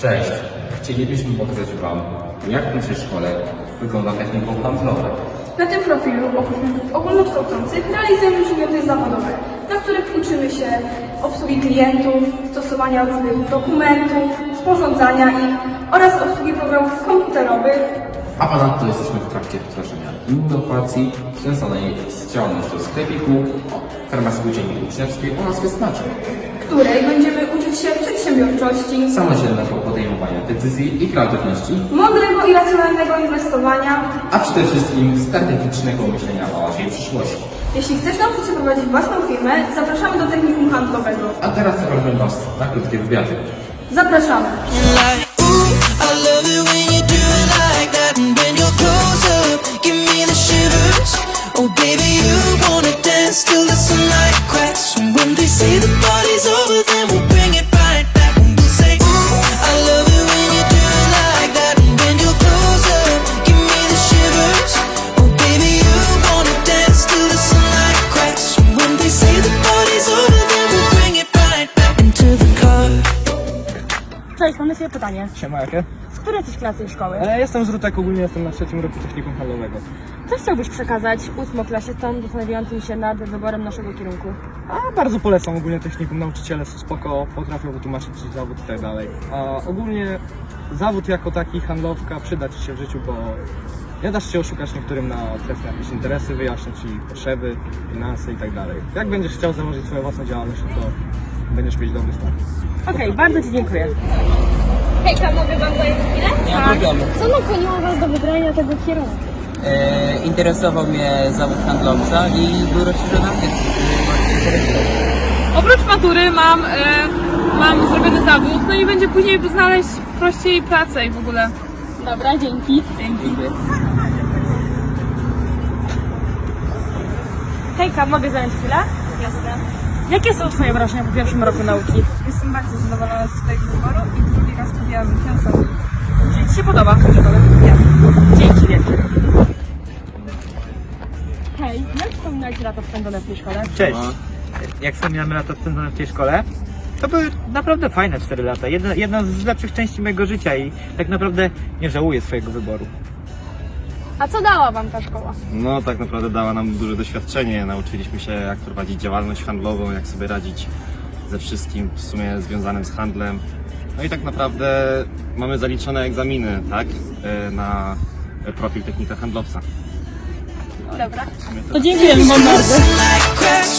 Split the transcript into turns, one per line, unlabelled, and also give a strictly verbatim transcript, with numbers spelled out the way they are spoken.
Cześć! Chcielibyśmy pokazać Wam, jak w naszej szkole wygląda technikum handlowe.
Na tym profilu oprócz kursów ogólnokształcących realizujemy przedmioty zawodowe, na których uczymy się obsługi klientów, stosowania różnych dokumentów, sporządzania ich oraz obsługi programów komputerowych.
A ponadto jesteśmy w trakcie wdrażania innowacji związanej z działalnością sklepiku, farmaceutycznej uczniowskiej oraz wysmaczek,
w której będziemy uczyć się przedsiębiorczości,
samodzielnego podejmowania decyzji i kreatywności,
mądrego i racjonalnego inwestowania.
a przede wszystkim strategicznego myślenia o naszej przyszłości.
Jeśli chcesz nauczyć się prowadzić własną firmę, zapraszamy do technikum handlowego.
A teraz zapraszam Was na krótkie wywiady.
Zapraszamy!
Like, ooh, I love it when you do it like that. And when you're close up, give me the shivers. Oh baby, you wanna dance till the sunlight cracks. And when they say the party's over, then we'll bring it right back. And we'll say, ooh, I love it when you do it like that. And when you're close up, give me the shivers. Oh baby, you wanna dance till the sunlight cracks. And when they say the party's over, then we'll bring it right back into the car.
Cześć, mamy sobie pytanie.
Siema, jakie?
Z której jesteś klasy i szkoły?
E, jestem z Rutek, ogólnie jestem na trzecim roku technikum handlowego.
Co chciałbyś przekazać ósmoklasistom zastanawiającym się nad wyborem naszego kierunku?
A bardzo polecam ogólnie technikum, nauczyciele są spoko, potrafią wytłumaczyć ci zawód i tak dalej. A ogólnie zawód jako taki, handlowka, przyda ci się w życiu, bo nie dasz się oszukać niektórym na trefne jakieś interesy, wyjaśnią ci potrzeby, finanse i tak dalej. Jak będziesz chciał założyć swoją własną działalność, to będziesz mieć dobry start.
Okej, bardzo ci dziękuję.
Hejka, mogę wam zająć chwilę?
Nie ma problemu.
Co nakłoniło was do wybrania tego kierunku?
E, interesował mnie zawód handlowca i był rozszerzony ankiet, który bardzo interesował.
Oprócz matury mam, e, mam zrobiony zawód, no i będzie później znaleźć prościej pracę i w ogóle.
Dobra, dzięki.
Dziękuję.
Hejka, mogę zająć chwilę?
Jasne.
Jakie są twoje wrażenia po pierwszym roku nauki?
Jestem bardzo zadowolona z swojego wyboru i drugi raz studiowałam finansowo.
Czy ci się podoba?
Jasne.
Dzięki wielkie. Hej, jak wspominałeś lata spędzone w tej szkole?
Cześć. Jak wspomniałem lata spędzone w tej szkole, to były naprawdę fajne cztery lata. Jedna, jedna z lepszych części mojego życia i tak naprawdę nie żałuję swojego wyboru.
A co dała wam ta szkoła?
No tak naprawdę dała nam duże doświadczenie, nauczyliśmy się jak prowadzić działalność handlową, jak sobie radzić ze wszystkim w sumie związanym z handlem. No i tak naprawdę mamy zaliczone egzaminy, tak, e, na profil technika handlowca.
Dobra.
To dziękujemy wam bardzo.
Sunlight cracks.